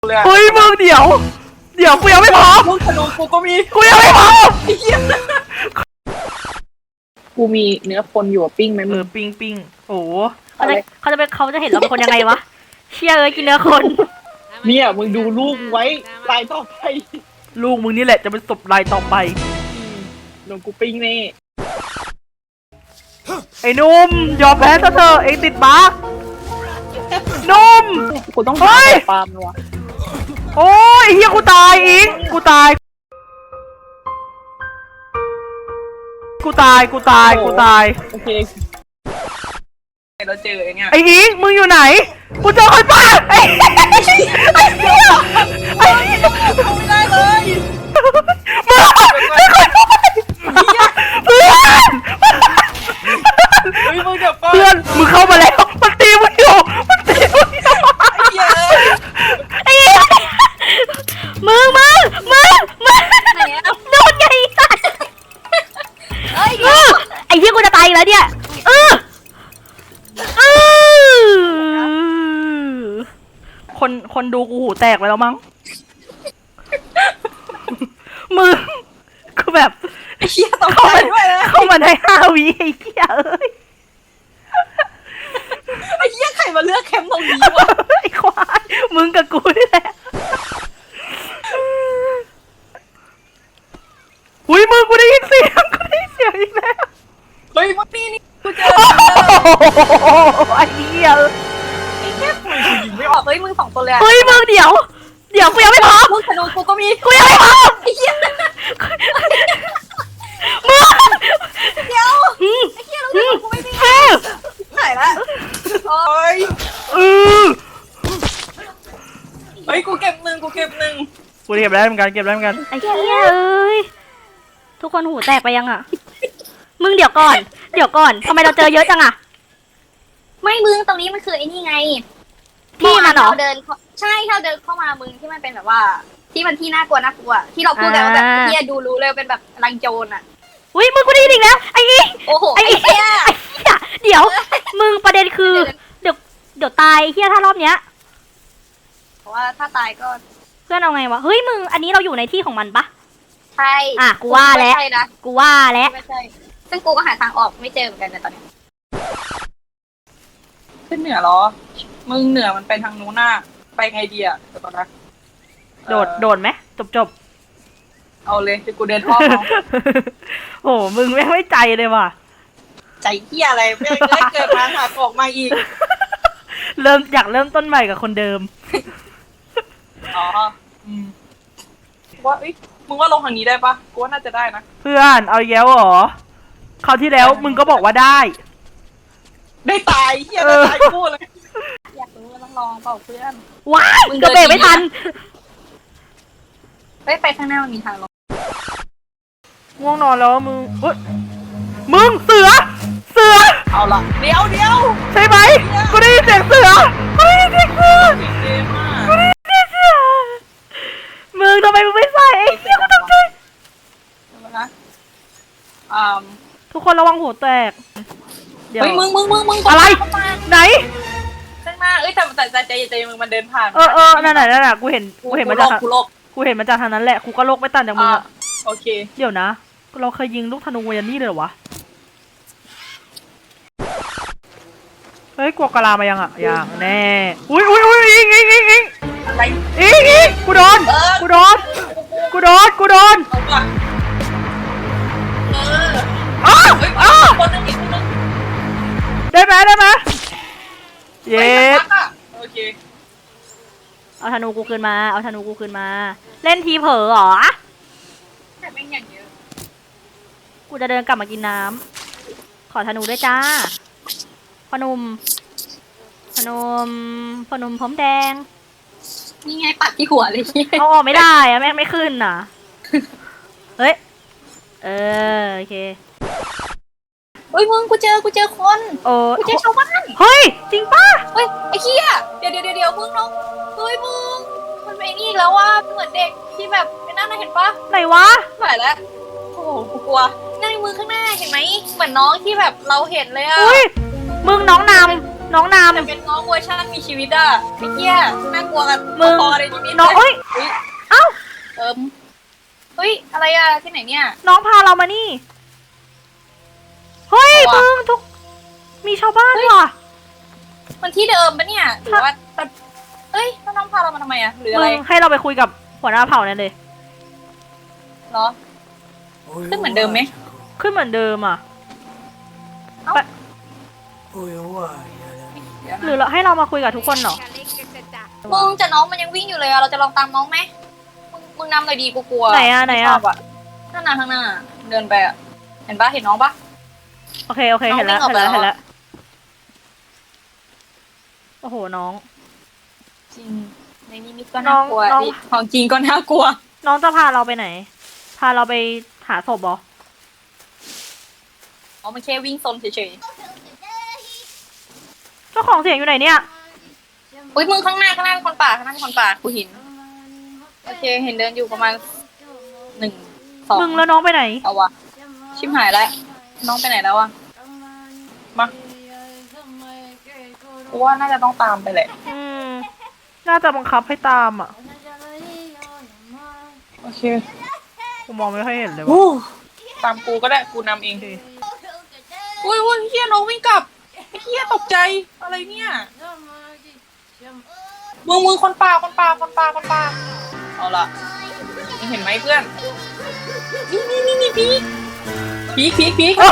เฮ้ยมึงเดี๋ยวกูยังไม่พร้อมลูกธนูกูก็มีกูยังไม่พร้อมกูมีเนื้อคนอยู่ปิ้งไหมมึงปิ้งโอ้เขาจะเห็นเราเป็นคนยังไงวะเชี่ยเอ้ยกินเนื้อคนเนี่ยมึงดูลูกไว้ลายต่อไปลูกมึงนี่แหละจะเป็นศพรายต่อไปโดนกูปิ้งแน่ไอ้นุ่มยอมแพ้ซะเถอะเองติดบั๊กนุ่มกูต้องเฮ้หาย ปาล์มว่ะโอ้ยเฮียกูตายอิงกูตายโอเคเราเจอไอ้เนี่ยไอ้อิงมึงอยู่ไหนกูเจอใครบ้างไอ้เหี้ยไม่ได้เลยมึงไอ้คนเพื่อนเฮ้ยมึงเดี๋ยวก่อนเพื่อนมึงเข้ามาแล้วมันตีมึงอยู่ไอ้เหี้ยไอ้มึงโดนไงไอ้เหี้ยกูจะตายอีกแล้วเนี่ยคนดูกูหูแตกไปแล้วมั้งมึงคือแบบไอ้เหี้ยต้องไปด้วยนะเข้ามาได้5 วิไอ้เหี้ยเอ้ยไอ้เหี้ยใครมาเลือกแคมป์ตรงนี้วะไอ้ควายมึงกับกูนี่แหละอุ้ยมึงกูได้ยินเสียงอีกแล้วเฮ้ยมึงนี่กูเจอไอ้เหี้ยไอ้แค่ปืนกูยิงไม่ออกเฮ้ยมึง2ตัวเลยเฮ้ยมึงเดี๋ยวกูยังไม่พร้อมลูกธนูกูก็มีกูยังไม่พร้อมไอ้เหี้ยมึงเดี๋ยวไอ้เหี้ยลูกธนูกูไม่มีหายละโอ้ยเฮ้ยกูเก็บหนึ่งกูเก็บได้เหมือนกันไอ้เหี้ยเอ้ยทุกคนหูแตกไปยังอ่ะมึงเดี๋ยวก่อนทำไมเราเจอเยอะจังอ่ะไม่มึงตรงนี้มันคือไอ้นี่ไงที่มันเหรอเราเดินใช่เราเดินเข้ามามึงที่มันเป็นแบบว่า ที่มันที่น่ากลัวที่เราพูดกันว่าแบบที่ดูรู้เลยเป็นแบบรังโจรอ่ะอุ้ยมึงกูได้ยินอีกแล้วไอ้อีโอ้โหไอ้ไอ้เหี้ยเดี๋ยวมึงประเด็นคือเดี๋ยวตายเฮียถ้ารอบเนี้ยเพราะว่าถ้าตายก็เพื่อนเอาไงวะเฮ้ยมึงอันนี้เราอยู่ในที่ของมันปะใช่อ่ะกูว่าแล้วไม่ใช่นะกูว่าแล้วไม่ใช่ซึ่งกูก็หาทางออกไม่เจอเหมือนกันในตอนนี้ขึ้นเหนือเหรอมึงเหนือมันไปทางนู้นน่ะไปไงดีอ่ะเดี๋ยวก่อนนะโดดไหมจบเอาเลยเดี๋ยวกูเดินอ้อมเอาโอ้มึงไม่ใจเลยว่ะใจเหี้ยอะไรไม่ได้เกิดมาหาออกมาอีกอยากเริ่มต้นใหม่กับคนเดิมอ๋อว่ามึงว่าลงทางนี้ได้ปะกูว่าน่าจะได้นะเพื่อนเอาแย้วเหรอคราวที่แล้วมึงก็บอกว่าได้ได้ตายเหี้ยได้ตายกูเลยอยากรู้ว่าต้องลองเปล่าเพื่อนว้ายมึงกระเบรกไม่ทันไปข้างหน้ามันมีทางลงง่วงนอนแล้วมึงเฮ้ยมึงเสือเอาละเดี๋ยวใช่ไหมกูได้ยินเสียงเสือเกมมากมึงทำไมมึงไม่ใส่ไอ้เหี้ยกูตกใจนะทุกคนระวังหัวแตกเดี๋ยวเฮ้ยมึงอะไรเข้ามาไหนข้างหน้าแต่ใจมึงมันเดินผ่านนั่นน่ะกูเห็นมันจากกูลบกูเห็นมันจากทางนั้นแหละกูก็โลกไม่ต่างจากมึงอะโอเคเดี๋ยวนะเราเคยยิงลูกธนูยันนี่เลยเหรอวะเฮ้ยกลัวกะลามายังอ่ะยังแน่อุ้ยอิงอะไรอิงกูโดนเอาว่ะเฮ้ยคนนึงอีกคนนึงได้ไหมเย้โอเคเอาธนูกูคืนมาเล่นทีเผลอเหรอแต่ไม่อย่างเยอะกูจะเดินกลับมากินน้ำขอธนูด้วยจ้าพนมพร้อมแดงนี่ไงปัดที่หัวเลยเอาออกไม่ได้อะแม่งไม่ขึ้นน่ะ เฮ้ย โอเคเฮ้ยมึงกูเจอคนโอ้กูเจอชาวบ้านเฮ้ย จริงป่ะเฮ้ยไอ้เหี้ยเดี๋ยวมึงน้องเฮ้ยมึงมันเป็นไอ้นี่อีกแล้วว่าเหมือนเด็กที่แบบไอ้นั่นน่ะเห็นปะไหนวะหายแล้วโอ้โหกูกลัวนั่นมือข้างหน้าเห็นไหมเหมือนน้องที่แบบเราเห็นเลยอะอุ้ย มึงน้องนน้องนแต่เป็นน้องเวอร์ชันมีชีวิตอะไอ้เหี้ยน่ากลัวกันมึงพอเลยชีวิตำน้องเอ้ยเฮ้ยเอ้าเฮ้ยอะไรอะที่ไหนเนี่ยน้องพาเรามานี่ เฮ้ยเอามึวะงทุก มีชาวบ้านว่ะมันที่เดิมปะเนี่ยหรือว่าเอ้ยแล้วน้องพาเรามาทำไมอะหรืออะไรมึงให้เราไปคุยกับหัวหน้าเผ่านั่นเลยเหรอขึ้นเหมือนเดิมไหมขึ้นเหมือนเดิมอ่ะ หรือเราให้เรามาคุยกับทุกคนเหรอมึงแต่น้องมันยังวิ่งอยู่เลยอะเราจะลองตามน้องไหมมึงนำหน่อยดีกูกลัวไหนอะไหนอะม่ชบนั่นน่ะข้างหน้าเดินไปอะเห็นปะเห็นน้องปะโอเค โอเคน้องเห็นแล้ววิ่งออกเห็นไปแล้วแล้วเห็นแล้ว โอ้โห น้องจริงในนิมิตก็น่ากลัวน้องดิของจริงก็น่ากลัวน้องจะพาเราไปไหน พาเราไปหาศพเหรออ๋อมันแค่วิ่งซนเฉยเจ้าของเสียงอยู่ไหนเนี่ยๆอุ้ยมึงข้างหน้าเป็นคนป่าข้างหน้าเป็นคนป่ากูเห็นโอเคเห็นเดินอยู่ประมาณ1 2 มึงแล้วน้องไปไหนเอาวะชิมหายแล้วน้องไปไหนแล้วอะมากูว่าน่าจะต้องตามไปแหละอืม น่าจะบังคับให้ตามอ่ะโอเคกูมองไม่ค่อยเห็นเลยโอ้ว่ะตามกูก็ได้กูนำเองโอเคอุ้ยเฮียน้องวิ่งกลับไอ้เฮียตกใจอะไรเนี่ยมึงคนป่าเอาล่ะมึงเห็นไหมเพื่อนนี่พีก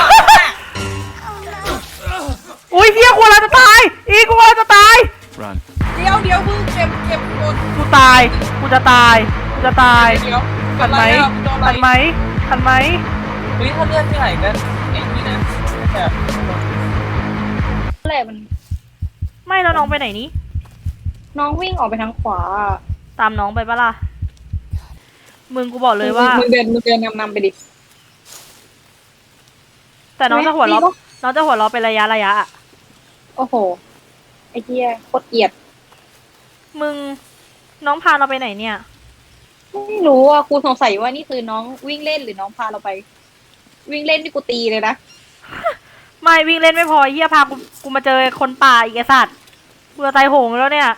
อุ้ยเฮียกูเราจะตาย อีกูเราจะตาย Run. เดี๋ยวมึงเก็บหมดกูตาย กูจะตาย กูจะตายเดี๋ยวทันไหม ทันไหม ทันไหมเฮ้ยถ้าเลือดที่ไหนกันไอ้นี่นะแบบอะไรมันไม่แล้วน้องไปไหนนี้น้องวิ่งออกไปทางขวาตามน้องไปปะล่ะ มึงกูบอกเลยว่ามึงเดินนำไปดิแต่น้องจะหัวเราะไม่รู้น้องจะหัวเราะเป็นระยะอะโอ้โหไอ้เหี้ยโคตรเกลียดมึง น้องพาเราไปไหนเนี่ยไม่รู้อ่ะกูสงสัยว่านี่คือน้องวิ่งเล่นหรือน้องพาเราไป วิ่งเล่นที่กูตีเลยนะไม่วิ่งเล่นไม่พอเฮียพากูมาเจอคนป่าอีกไอสัตว์กูจะตายโหงแล้วเนี่ย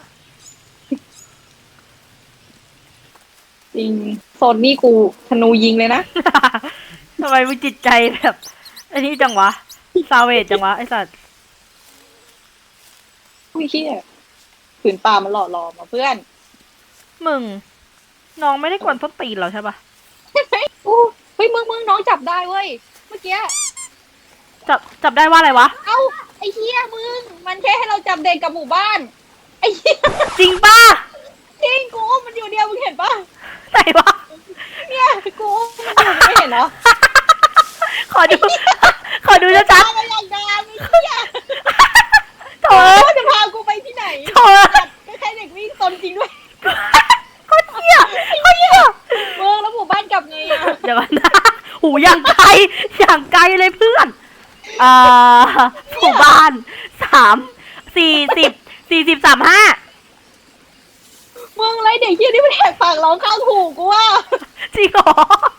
จริงโซนนี่กูธนูยิงเลยนะทำไมมึงจิตใจแบบไอ้นี่จังวะ ซาเวจจังวะไอสัตว์อุ้ยเหี้ยผืนป่ามันหล่อหลอมมาเพื่อนมึง น้องไม่ได้กวนต้นตีนเราใช่ปะอู้เฮ้ยมึงน้องจับได้เว้ยเมื่อกี้จับได้ว่าอะไรวะเอ้าไอ้เหี้ยมึงมันแค่ให้เราจับเด็กกับหมู่บ้านไอ้เหี้ยจริงปะจริงกูมันอยู่เดียวมึงเห็นปะไหนวะเนี่ยกูมันอยู่ไม่เห็นเหรอขอดู ขอดูชัดตามมาอย่างดามไอ้เหี้ยๆโถ่ว่าจะพากูไปที่ไหนโถ่ก็แค่เด็กวิ่งซนจริงด้วยโคตรเหี้ยโคตรเหี้ยมึงแล้วหมู่บ้านกลับไงอะเดี๋ยวก่อนนะหูอย่างไกลอย่างไกลเลยเพื่อนหมู่บ้าน40 40 35 มึงไรเด็กเหี้ยนี่มันแหกปากร้องข้างหูกูว่าจริงเหรอ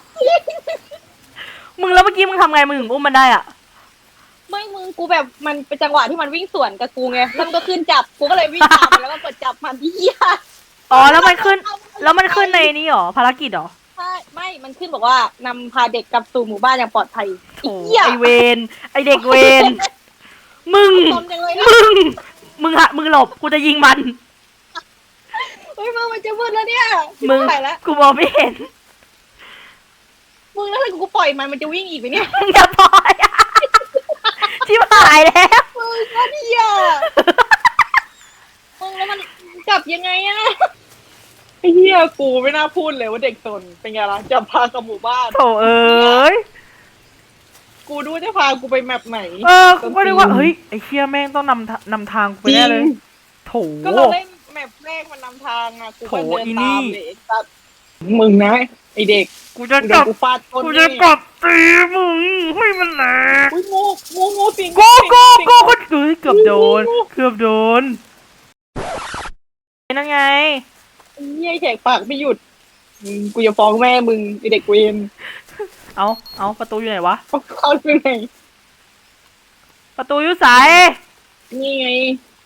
มึงแล้วเมื่อกี้มึงทำไงมึงถึงอุ้มมันได้อ่ะไม่มึงกูแบบมันเป็นจังหวะที่มันวิ่งสวนกับกูไงแล้วมันก็ขึ้นจับกูก็เลยวิ่งตามมันแล้วก็กดจับมันเหี้ยอ๋อแล้วมันขึ้นในนี้เหรอภารกิจเหรอใช่ไม่มันขึ้นบอกว่านำพาเด็กกลับสู่หมู่บ้านอย่างปลอดภัยโอ้เหี้ยไอเวนไอเด็กเวน มึงซนจังเลยนะมึงหลบกูจะยิงมันเฮ้ยมึงมันจะมืดแล้วเนี่ยมึงไปแล้วกูมองไม่เห็นมึงแล้วถ้ากูปล่อยมันจะวิ่งอีกไหมเนี่ยมึงอย่าปล่อยอะชิบหายแล้วมึงก็เหี้ยมึงแล้วมันจับยังไงอะไอ้เหี้ยกูไม่น่าพูดเลยว่าเด็กซนเป็นไงล่ะจับพากับหมู่บ้านโถเอ้ยกูดูจะพากูไปแมปไหนกูก็นึกว่าเฮ้ยไอเชี่ยแม่งต้องนำทางกูไปแน่เลย โถก็เราเล่นแมปแรกมันนำทางอะกูก็เดินโถอีนี่ตามเลยไอ้สัสมึงนะไอเด็กกูจะกูโดจันบกูฟาดก้นกูนี่จะกลับตีมึงให้มันแหลกอุ้ยงูสิงกูสิงคนเฮ้ยเกือบโดน เกือบโดนนั่นไงไอ้เหี้ยแขกปากไม่หยุดกูจะฟ้องแม่มึงไอเด็กเวรเอาประตูอยู่ไหนวะเข้าไปไหนประตูอยู่ไสนี่ไง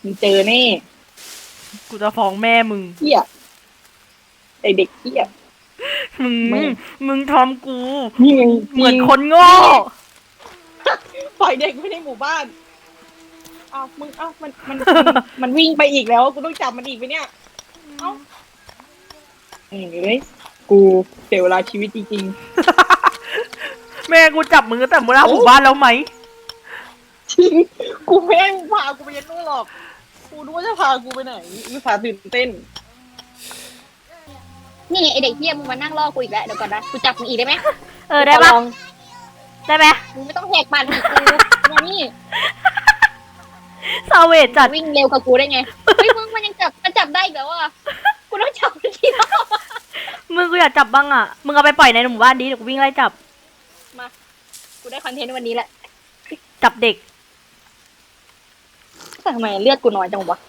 มึงเจอแน่กูจะฟ้องแม่มึงเหี้ยไอเด็กเหี้ยมึงไม่มึงทำกูนี่ไงเหมือนคนโง่ปล่อยเด็กไว้ในหมู่บ้านอ้าวมึงอ้าวมันวิ่งไปอีกแล้วกูต้องจับมันอีกไปเนี่ยเอ้าเอ้ยกูเสียเวลาชีวิตจริงแม่กูจับมึงตั้งแต่เมื่อหมู่บ้านแล้วไหมๆจริงกูไม่ให้มึงพากูไปยันนู่นหรอกกูรู้ว่าจะพากูไปไหนอุตส่าห์ตื่นเต้นนี่ไอเด็กเหี้ยมึงมานั่งรอกูอีกแล้วเดี๋ยวก่อนนะกูจับมึงอีกได้ไหมได้ปะลองได้ไหมมึงไม่ต้องแหกปากอีกกูมานี่ซาเวจจัดวิ่งเร็วกับกูได้ไงเฮ้ยมึงมันยังจับได้อีกแล้วอ่ะกูต้องจับมันทีละมึงกูอยากจับบ้างอ่ะ มึงเอาไปปล่อยในหมู่บ้านดิเดี๋ยวกูวิ่งไล่จับมากูได้คอนเทนต์วันนี้แหละจับเด็กแต่ทำไมเลือดกูน้อยจังวะ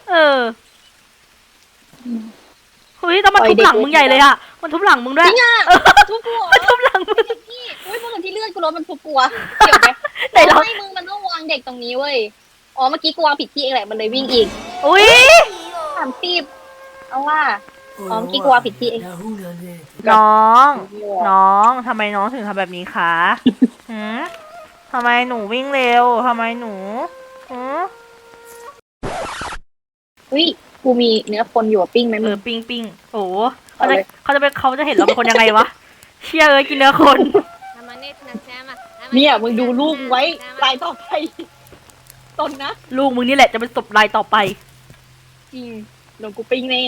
เฮ้ยแต่มันทุบหลังมึงใหญ่เลยอะมันทุบหลังมึงด้วยจริงอ่ะทุบกูเหรอมันทุบหลังมึงพี่อุ้ยมึงที่เลือดกูลดมันทุบกูอะเกี่ยวไหมไหนลองไม่มึงมันต้องวางเด็กตรงนี้เว้ยอ๋อเมื่อกี้กูวางผิดที่เองแหละมันเลยวิ่งอีกอุ้ย 30เอาว่าอ๋อเมื่อกี้กูวางผิดที่เองน้อง น้องทำไมน้องถึงทำแบบนี้คะหืมทำไมหนูวิ่งเร็วทำไมหนูหืมอุ้ยกูมีเนื้อคนอยู่อะปิ้งไหมมึงปิ้งปิ้งโอ้เขาเอาจะเลยเขาจะเห็นเราเป็นคนยังไงวะ เชี่ยเอ้ยกินเนื้อคนเนี่ยมึงดูลูกไว้รายต่อไปตนนะลูกมึงนี่แหละจะเป็นศพรายต่อไปจริงโดนกูปิ้งแน่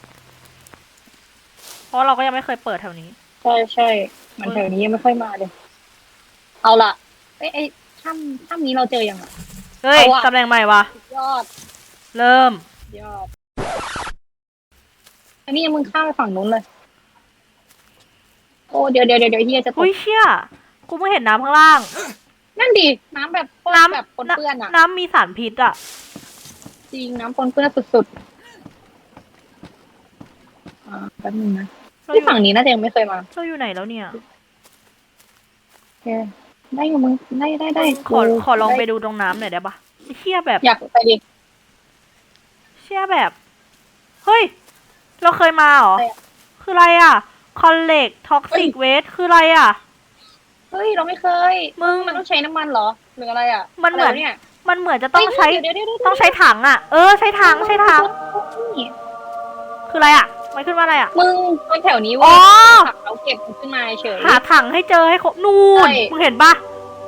เพราะเราก็ยังไม่เคยเปิดแถวนี้ใช่มันแถวนี้ยังไม่ค่อยมาเลยเอาล่ะไอ้ถ้ำนี้เราเจอยังอ่ะเฮ้ยเอาอะตำแหน่งใหม่วะยอดเริ่มยอดอันนี้มึงข้ามไปฝั่งนู้นเลย โอ้เดี๋ยวเฮียจะตกอุ้ยเชี่ยกูเพิ่งเห็นน้ำข้างล่างนั่นดิน้ำแบบโคตรน้ำแบบปนเปื้อนอ่ะน้ำมีสารพิษอะจริงน้ำปนเปื้อนสุดๆแป๊บนึงนะเราอที่ยู่ฝั่งนี้น่าจะยังไม่เคยมาเราอยู่ไหนแล้วเนี่ยโอเคได้อยู่มึงได้ขอลองไปดูตรงน้ำหน่อยได้ปะเชี่ยแบบอยากไปดิเชี่ยแบบ เฮ้ย เราเคยมาเหรออะไรอะคืออะไรอะคอนเล็กท็อกซิกเวสคืออะไรอะเฮ้ยเราไม่เคยมึงมันต้องใช้น้ำมันเหรอหรืออะไรอ่ะมันเหมือนะไรวะเนี่ยมันเหมือนจะต้องใช้เดี๋ยวต้องใช้ถังอะใช้ถังคืออะไรอะมันขึ้นว่าอะไรอะมึงตรงแถวนี้อ๋เว่าอผักเราเก็บมันขึ้นมาเฉยหาถังให้เจอให้ครบนู่นใช่มึงเห็นปะ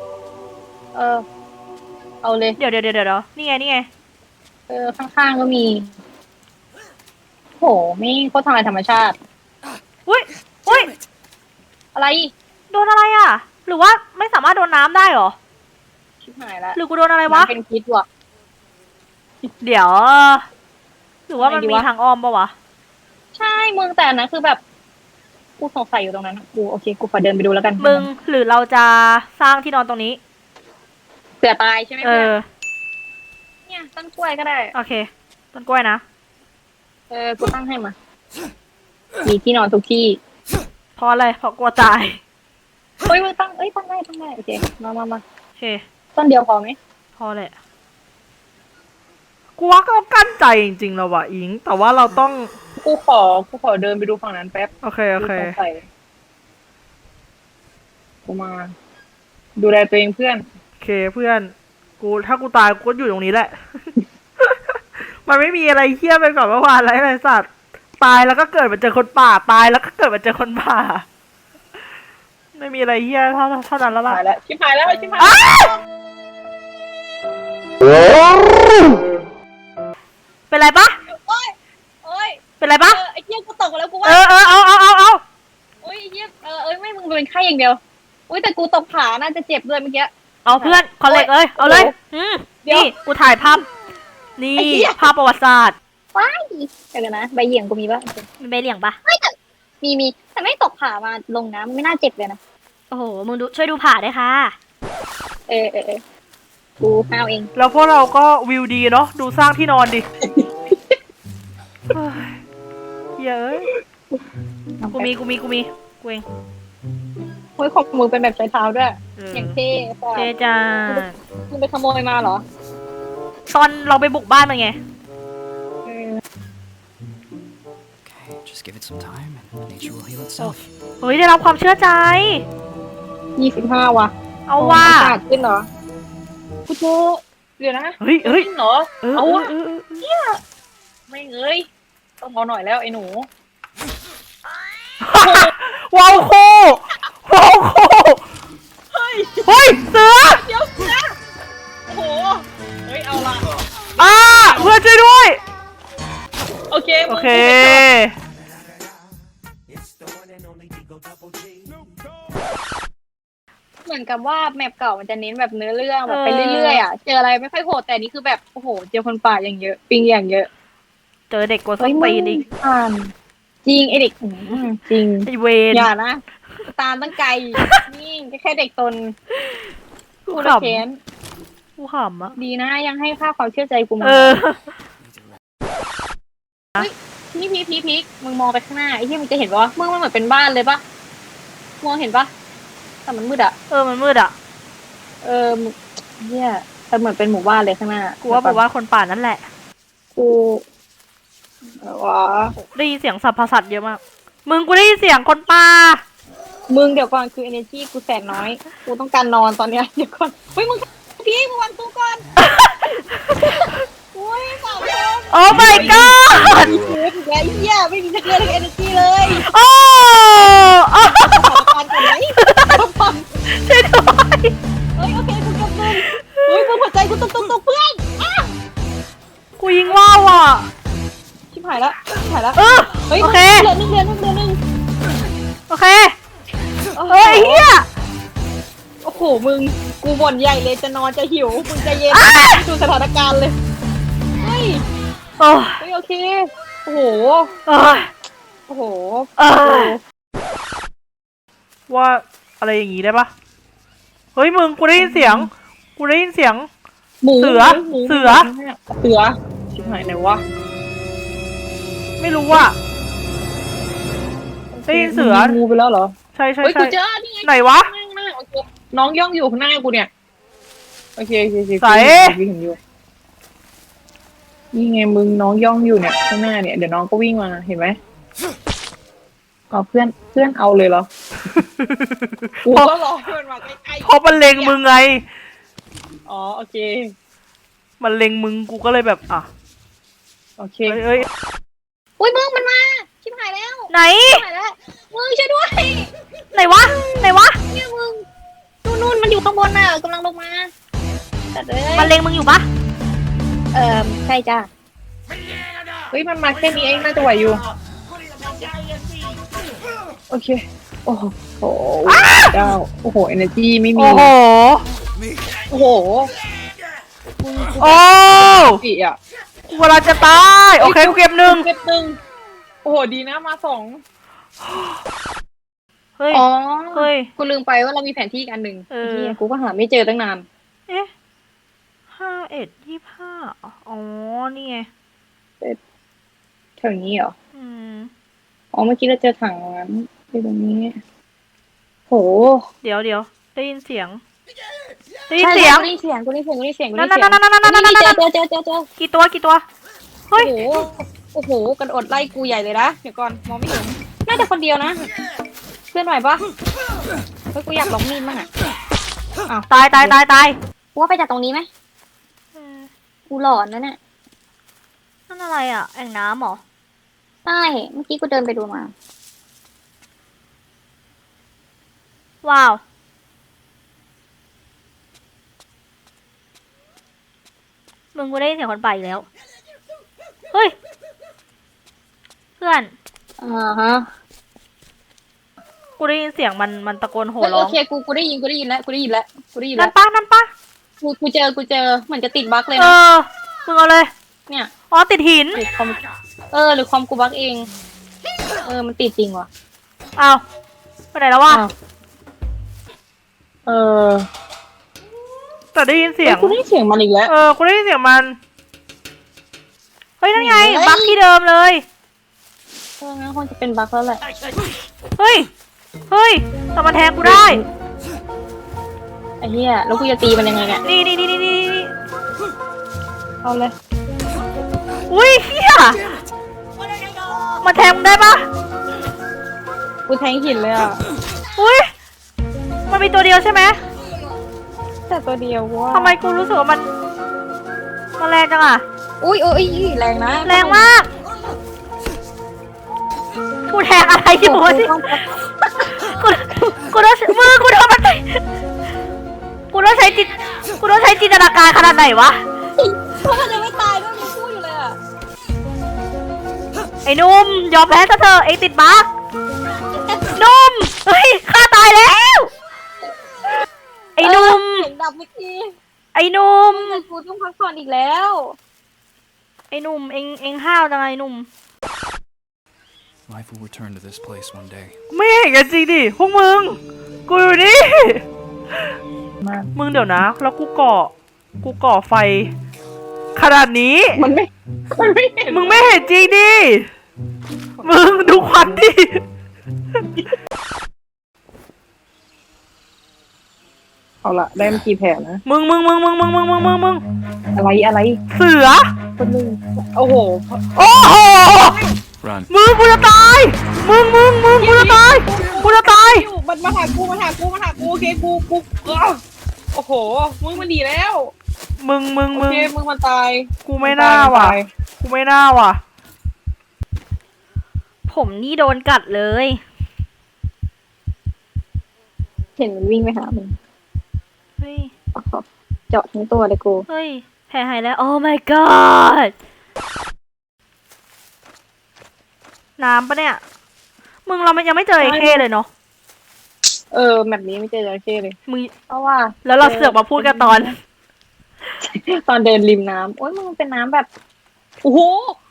เอาเลยเดี๋ยวนี่ไงข้างๆก็มี โหไม่โคตรทำลายธรรมชาติอุ้ยอะไรโดนอะไรอะหรือว่าไม่สามารถโดนน้ำได้เหรอชิบหายละหรือกูโดนอะไรวะน้ำเป็นพิษว่ะเดี๋ยว หรือว่ามันอะไรดีมีวะทางอ้อมปะวะใช่มึงแต่อันนั้นคือแบบกูสงสัยอยู่ตรงนั้นอะกูโอเคกูขอเดินไปดูแล้วกันมึงหรือเราจะสร้างที่นอนตรงนี้เสือตายใช่ไหมเอเพื่อนอเนี่ยต้นกล้วยก็ได้โอเค ต้นกล้วยนะกูตั้งให้มา มีที่นอนทุกที่เพราะอะไร เพราะกลัวตายเฮ้ยมึงตั้งได้โอเคมาโอเคต้นเดียวพอไหมพอแหละกูว่าก็กั้นใจจริงๆแล้วว่ะอิง แต่ว่าเราต้องกูขอเดินไปดูฝั่งนั้นแป๊บโอเคกูสงสัยกูมา ดูแลตัวเองเพื่อนโอเคเพื่อน ถ้ากูตายกูก็อยู่ตรงนี้แหละ มันไม่มีอะไรเฮี้ยไปกว่อนเมื่อวานอะไรเลยสัตว์ ตายแล้วก็เกิดมาเจอคนป่า ตายแล้วก็เกิดมาเจอคนป่า ไม่มีอะไรเฮี้ยเท่านั้นแล้วล่ะชิบหายแล้วเป็นไรปะโอ้ยเป็นไรปะไอ้เหี้ยกูตกมาแล้วกูว่าเอาโอ้ยไอ้เหี้ยไม่มึงเป็นไข้อย่างเดียวอุ้ยแต่กูตกขาน่าจะเจ็บด้วยเมื่อกี้เอาเพื่อนคอนเล็กเอาเลยเดี๋ยวนี่กูถ่ายภาพ นี่ไอ้เหี้ยภาพประวัติศาสตร์ว้ายเดี๋ยวนะใบเหยี่ยงกูมีปะมันไปเหลี่ยงปะมีแต่ไม่ตกขามาลงน้ำไม่น่าเจ็บเลยนะโอ้โห มึงดูช่วยดูผ่าด้วยค่ะกูห้าวเองแล้วพวกเราก็วิวดีเนาะ ดูสร้างที่นอนดิ เฮ้ยเย้ยกูมีกูเองเฮ้ยของมึงเป็นแบบใช้เท้าด้วยเอออย่างเท่ค่ะเจจ้ามึงไปขโมยมาเหรอตอนเราไปบุกบ้านมันไง Just give it some time and nature will heal itself. เฮ้ยได้รับความเชื่อใจ 25ว่ะเอาว่าขาดขึ้นเหรอกูเจอเดี๋ยวนะเฮ้ยขึ้นเหรอเออเอาวะเออไม่เอ้ยต้องเอาหน่อยแล้วไอ้หนูว้าวโคว้าวโคเฮ้ยเสือเดี๋ยวนะโอ้โหเฮ้ยเอาละเพื่อนช่วยด้วยโอเคโอเคเหมือนกับว่าแมปเก่ามันจะเน้นแบบเนื้อเรื่องแบบไปเรื่อยๆอ่ะเจออะไรไม่ค่อยโหดแต่นี่คือแบบโอ้โหเจอคนป่าอย่างเยอะปิงอย่างเยอะเจอเด็กกดส้นตีนอีกอ่านจริงไอเด็กจริงไอเวนอย่านะตามตั้งไกลนี่แค่เด็กตนกูกูขละเค้นำกูขำอะดีนะยังให้ค่าความเชื่อใจกูมาเออพีกมึงมองไปข้างหน้าไอ้ที่มึงจะเห็นปะวะมึงมันเหมือนเป็นบ้านเลยปะมองเห็นปะแต่มันมืดอ่ะมันมืดอะเนี่ยแต่เหมือนเป็นหมู่บ้านเลยข้างหน้ากูว่าบอกว่าคนป่านั่นแหละกูวะได้ยินเสียงสัพพสัตว์เยอะมาก มึงกูได้ยินเสียงคนป่ามึงเดี๋ยวก่อนคือ energy กูแสนน้อย กูต้องการนอนตอนเนี้ยเดี๋ยวก่อนเฮ้ยมึงพี่มึงวางตู้ก่อนอุ้ยสาวคนโอ้ my god เฮ้ยแกเหี้ยไม่มีสักเรื่องเลย energy เลยโอ้สถานการณ์ก่อนไหมช่วยด้วยเฮ้ยโอเคกูกำลังเฮ้ยมึงหัวใจกูตุกเพื่อนอ่ะกูยิงว่าวอ่ะชิบหายแล้วเฮ้ยโอเคเหลือหนึ่งโอเค เฮ้ยเฮียโอ้โหมึงกูบ่นใหญ่เลยจะนอนจะหิวมึงใจเย็นดูสถานการณ์เลยเฮ้ยโอ้เฮ้ยโอเคโอ้โหเออโอ้โหว่าอะไรอย่างงี้ได้ปะเฮ้ยมึงกูได้ยินเสียงหมูเสือชิบหายไหนวะไม่รู้ว่าได้ยินเสืองูไปแล้วเหรอใช่เฮ้ยกูเจอนี่ไงไหนวะข้างหน้าโอเคน้องย่องอยู่ข้างหน้ากูเนี่ยโอเคใส่วิ่งอยู่นี่ไงมึงน้องย่องอยู่เนี่ยข้างหน้าเนี่ยเดี๋ยวน้องก็วิ่งมาเห็นไหมอ๋อเพื่อนเอาเลยเหรอกูก็รอเพื่อนมาใกล้ๆเพราะมันเล็งมึงไงอ๋อโอเคมันเล็งมึงกูก็เลยแบบโอเคเอ้ยอุ้ยมึงมันมาชิบหายแล้วไหนชิบหายแล้วมึงช่วยด้วยไหนวะเนี่ยมึงนู่นมันอยู่ข้างบนน่ะกำลังลงมาแต่เลยมันเล็งมึงอยู่ปะใช่จ้าเฮ้ยมันมาแค่นี้เองน่าจะไหวอยู่โอเคโอ้โหเจ้าโอ้โห energy ไม่มีโอ้โหโอ้โหโอ้ปีอ่ะกูเวลาจะตาย โอเคกูเก็บหนึ่งเก็บหนึ่งโอ้โหดีนะมาสองเฮ้ยอ๋อเฮ้ยกูลืมไปว่าเรามีแผนที่อีกอันหนึ่งเออเหี้ยกูก็หาไม่เจอตั้งนานเอ๊ะ51 25อ๋อ นี่ไงแถวนี้เหรออืมอ๋อเมื่อกี้เราเจอถังน้ำที่ตรงนี้โหเดี๋ยวได้ยินเสียง ได้ยินเสียงกูได้ยินเสียงนั่นเจอกี่ตัว เฮ้ยโอ้โหกระโดดไล่กูใหญ่เลยนะเดี๋ยวก่อนมองไม่เห็นน่าจะคนเดียวนะเพื่อนไหวปะเฮ้ยกูอยากลองมีดมั่งอ่ะตายกูว่าไปจากตรงนี้ไหมกูหลอนนะเนี่ยนั่นอะไรอ่ะ แอ่งน้ำเหรอใช่เมื่อกี้กูเดินไปดูมาว้าว มึงกูได้ยินเสียงคนป่าอีกแล้ว เฮ้ย เพื่อนฮะกูได้ยินเสียงมันตะโกนโห่เฮ้ยร้โอองเคกูได้ยินแล้วนั่นปะกูเจอเหมือนจะติดบั๊กเลยเอนะอ มึงเอาเลยเนี่ยอ๋อ ติดหินหรือคอมหรือคอมกูบั๊กเอง มันติดจริงว่ะอ้าวไปไหนแล้ววะอ้าวแต่ได้ยินเสียงกูได้ยินเสียงมันอีกแล้วกูได้ยินเสียงมัน เฮ้ย นั่นไงเฮ้ยบักที่เดิมเลยงั้นคงจะเป็นบั๊กแล้วแหละเฮ้ยแต่มันแทงกูได้ไอ้เหี้ยแล้วกูจะตีมันยังไงเนี่ยนี่เอาเลยอุ้ยเฮียมาแทงมึงได้ปะกูแทงหินเลยอ่ะอุ้ยมันมีตัวเดียวใช่ไหมแต่ตัวเดียวว่าทำไมกูรู้สึกว่ามันแรงจังอะอุ้ยแรงนะแรงมากกูแทงอะไรอยู่วะที่กูต้องมือกูโดนมันกูต้องใช้จินตนาการขนาดไหนวะเพราะมันยังไม่ตายด้วยมึงพูดอยู่เลยอ่ะไอ้หนุ่มยอมแพ้ซะเถอะไอ้ติดบั๊กหนุ่มเฮ้ยฆ่าตายแล้วไอ้หนุ่มเสียงดับเมื่อกี้ไอ้หนุ่มแต่กูต้องพักผ่อนอีกแล้วไอ้หนุ่มเอ็งห้าวจังไงหนุ่ม Life will return to this place one day. ไม่เห็นกันจริงดิพวกมึง กูอยู่นี่ มึงเดี๋ยวนะ แล้วกูก่อไฟ ขนาดนี้มันไม่เห็นมึงไม่เห็นจริงดิ มึงดูควันดิเอาละได้มากี่แผลนะมึงอะไรเสือคนหนึงโอ้โหโอ้โห Run. มึงกูจะตาย มึงกูจะตาย กูจะตายมันมาหากูโอเคกูโอ้โหมึงมันดีแล้วมึงโอเคมึงมันตายกูไม่น่าว่ะ กูไม่น่าว่ะผมนี่โดนกัดเลยเห็นมันวิ่งไปหามึงเฮ้ยเจาะทั้งตัวเลยกูเฮ้ยแผลหายแล้ว โอ้ my god น้ำปะเนี่ย มึงเรายังไม่เจอไอ้เคเลยเนาะแบบนี้ไม่เจอจระเข้เลยมึงเพราะว่าแล้วเราเสือกมาพูดกันตอนตอนเดินริมน้ำโอ้ยมึงเป็นน้ำแบบโอ้โห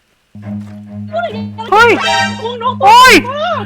เฮ้ย โอ้ย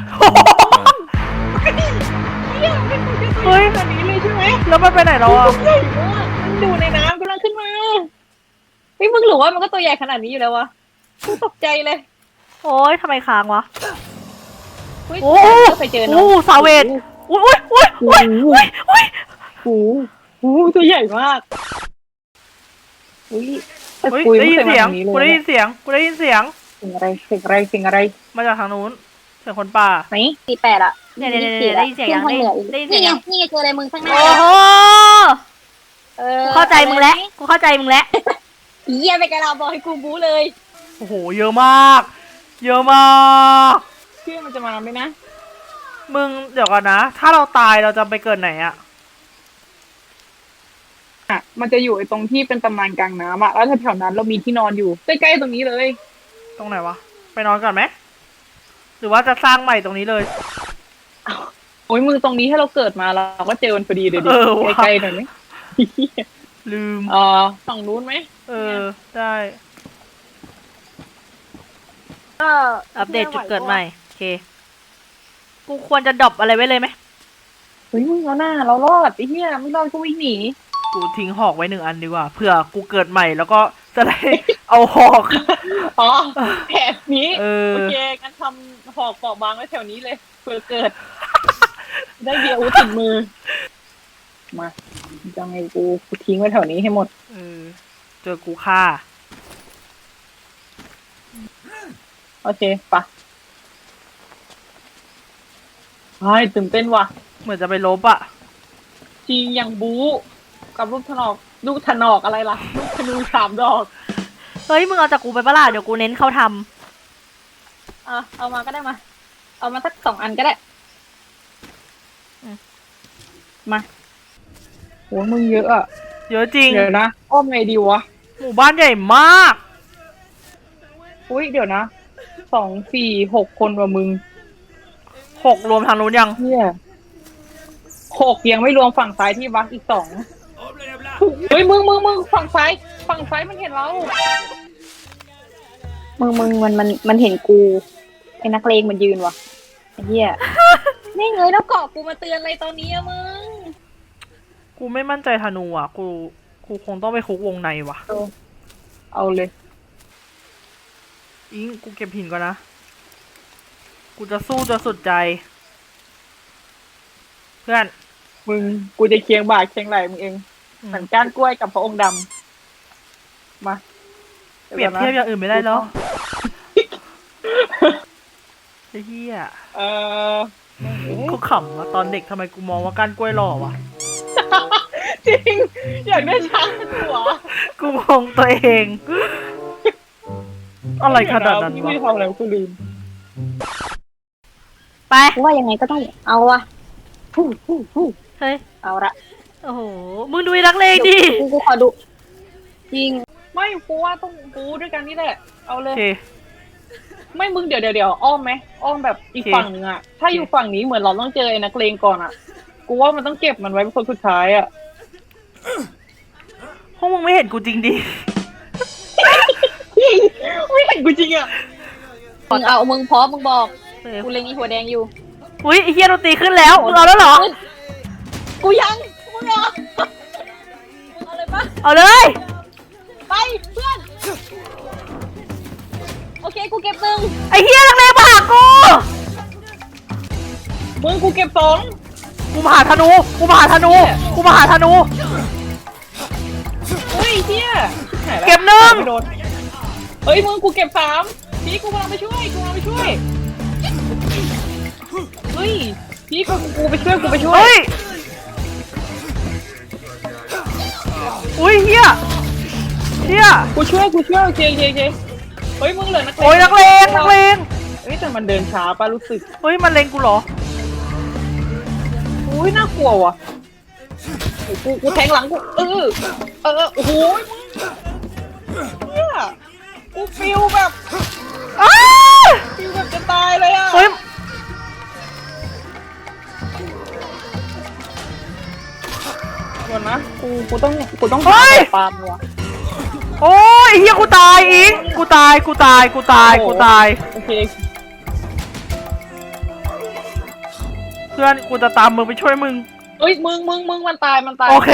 เฮ้ยแบบนี้เลยใช่ไหมแล้วมันไปไหนแล้วอ่ะใหญ่มากมันอยู่ในน้ำกำลังขึ้นมาเฮ้ยมึงหรือว่ามันก็ตัวใหญ่ขนาดนี้อยู่แล้ววะกูตกใจเลยโอ้ยทำไมค้างวะเฮ้ยโอ้เคยเจอโอ้เนาะสาเวทอุ้ยโอ้โหตัวใหญ่มากอุ้ยแต่เฮ้ยคุยได้ไม่ยินเคยมาเสียงทางนี้เลกูได้ยยินเสียง กูได้ยินเสียงเสียงอะไรมาจากทางนู้น เสียงคนป่าไหน 48อ่ะเนี่ยได้ยินเสียงยังขึ้นทางเหนืออีกได้ยินเสียงนี่ไงยังนี่ไงเจออะไรมึงข้างหน้าโอ้โห เข้าใจมึงแล้ว กูเข้าใจมึงแล้วเยี่ยไปกระลาบอยกูบู๊เลยโอ้โห เยอะมาก เยอะมากเชื่อมันจะมาไหมนะมึงเดี๋ยวก่อนนะ ถ้าเราตายเราจะไปเกิดไหนอะมันจะอยู่ไอ้ตรงที่เป็นตำนานกลางน้ำอะแล้วแถวๆนั้นเรามีที่นอนอยู่ใกล้ๆตรงนี้เลยตรงไหนวะ ไปนอนก่อนไหม หรือว่าจะสร้างใหม่ตรงนี้เลยโอ้ยมือตรงนี้ให้เราเกิดมาเราก็เจอมันพอดีเลยดิเออว่ะใกล้ๆหน่อยไหมลืมฝั่งนู้นไหมเออ ได้อัปเดตจุดเกิดใหม่ โอเค กูควรจะดรอปอะไรไว้เลยไหมเฮ้ยมึงเอาหน้าเรารอดไอ้เหี้ยไม่รอดก็วิ่งหนีกูทิ้งหอกไว้1 อันดีกว่า เผื่อกูเกิดใหม่แล้วก็จะได้ เอาหอกอ๋อแผนนี้เออโอเคงั้นทำหอกเปราะบางไว้แถวนี้เลยเผื่อเกิด ได้เบียร์อาวุธติดมือ มาจะไงกูทิ้งไว้แถวนี้ให้หมดเออ เจอกูฆ่าโอเคปะไอ้ตื่นเต้นว่ะเหมือนจะไปลบอะจริงอย่างบู๊กับลูกถนอกอะไรล่ะ ลูกธนู3 ดอกเฮ้ย มึงเอาจากกูไปปะล่ะเดี๋ยวกูเน้นเขาทเอามาก็ได้มา เอามาสัก2 อันก็ได้โหมึงเยอะอะเยอะจริงเดี๋ยวนะอ้อมไงดีวะหมู่บ้านใหญ่มากอุ้ยเดี๋ยวนะ2 4 6 คนว่ะมึง 6 รวมทางนู้นยังเฮีย6ยังไม่รวมฝั่งซ้ายที่วักอีก2เฮ้ยมึงฝั่งซ้ายมันเห็นเรามันเห็นกูไอ้นักเลงมันยืนว่ะไอ้เหี้ย นี่เงยแล้วเกาะกูมาเตือนอะไรตอนนี้อะมึงกูไม่มั่นใจธนูอ่ะ กูคงต้องไปคุกวงในว่ะเอาเลยอิงกูเก็บหินก่อนนะ กูจะสู้จนสุดใจ เพื่อนมึงกูจะเคียงบ่าเคียงไหล่มึงเองอืมเหมือนก้านกล้วยกับพระองค์ดำมาเปรียบเทียบอย่างอื่นไม่ได้แล้วเฮียเออกูขำว่าตอนเด็กทำไมกูมองว่าก้านกล้วยหล่อวะจริง อยากได้ช้างเป็นหัวกูมองตัวเอง อะไรขนาดนั้นพี่วะไม่ทำอะไรกูลืมไปกูว่ายังไงก็ต้องเอาวะเฮ้ยเอาละโอ้โห มึงดูไอ้นักเลงดิกูขอดูจริงไม่กูว่าต้องกูด้วยกันนี่แหละ เอาเลโอย เคไม่มึงเดี๋ยวอ้อมไหมอ้อมแบบอีกโอเคฝั่งหนึ่งอะถ้าอยู่ฝั่งนี้เหมือนเราต้องเจอไอ้นักเลงก่อนอะกูว่ามันต้องเก็บมันไว้เป็นคนสุดท้ายอะพวกมึงไม่เห็นกูจริงดิไม่เห็นกูจริงอะมึงเอามึงพร้อมมึงบอกเออกูเล็งอีหัวแดงอยู่อุ้ยไอ้เฮียดนตรีขึ้นแล้วมึงเอาแล้วเหรอกูยังมึงเหรอมึงเอาเลยปะเอาเลยไปเพื่อน โอเคกูเก็บหนึ่งไอ้เฮียนักเลงมาหากูมึงกูเก็บสองกูมาหาธนู กูมาหาธนู กูมาหาธนูเฮ้ยเฮียชิบหายแล้วเก็บหนึ่งไม่โดนเฮ้ยมึงกูเก็บสามพี่กูกำลังไปช่วยกูกำลังไปช่วยเฮ้ยพี่กูไปช่วยกูไปช่วยเฮ้ย อุ้ยเฮียเฮียกูช่วยโอเคเฮ้ยมึงเหลือนักเลงโอ้ยนักเลงนักเลงเฮ้ยแต่มันเดินช้าป่ะรู้สึกเฮ้ยมันเลงกูเหรออุ้ยน่ากลัวว่ะโอ้ยกูแทงหลังกูโอ้โหมึงเนี่ยกูฟิลแบบอ้าฟิลแบบจะตายเลยอ่ะเฮ้ยก่อนนะกูต้องหาปาล์มว่ะโอ้ยเฮียกูตายอิงกูตาย กูตาย กูตาย กูตายโอเคเพื่อนกูจะตามมึงไปช่วยมึงเอ้ยมึงมันตายโอเค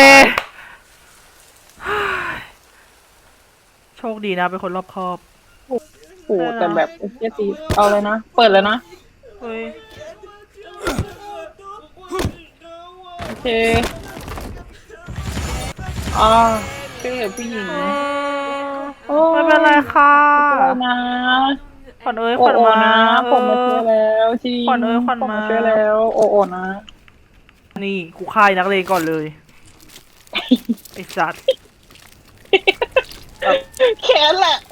โชคดีนะเป็นคนรอบคอบโอ้โหแต่แบบเฮียตีเอาเลยนะเปิดเลยนะเฮ้ยโอเคช่วยเหลือผู้หญิง โอ้ไม่เป็นไรค่ะช่วยนะขวัญเอ้ยขโอ้วัญโอมานะผมมาช่วยแล้วจริงขวัญเอ้ยขวัญมาผช่วยแล้วโอ้นะนี่กูฆ่าไอ้นักเลงก่อนเลย ไอ้สัตว์แค้นแหละ